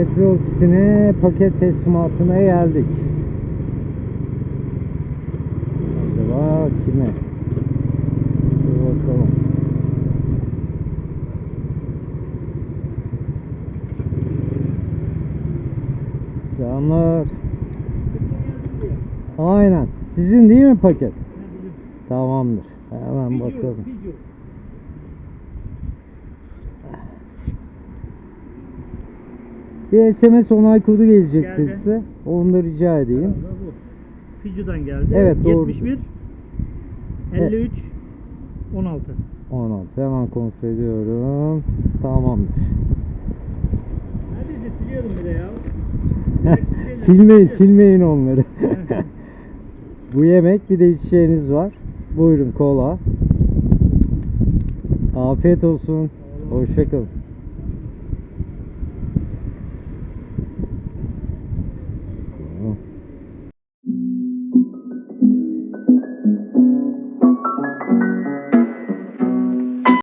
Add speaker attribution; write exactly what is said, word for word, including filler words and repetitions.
Speaker 1: metre ofisine paket teslimatına geldik. Acaba kime? Bir bakalım. Selamlar. Aynen. Sizin değil mi paket? Tamamdır. Hemen bakalım. Bir S M S onay kodu gelecekti
Speaker 2: Geldi.
Speaker 1: size. Onu da rica edeyim.
Speaker 2: Fiji'den geldi.
Speaker 1: Evet, doğru.
Speaker 2: yetmiş bir elli üç on altı.
Speaker 1: on altı. Hemen kontrol ediyorum. Tamamdır.
Speaker 2: Neredeyse siliyordum bir de ya.
Speaker 1: Silmeyin, silmeyin onları. Bu yemek, bir de içeceğiniz var. Buyurun, kola. Afiyet olsun. Hoşça kalın.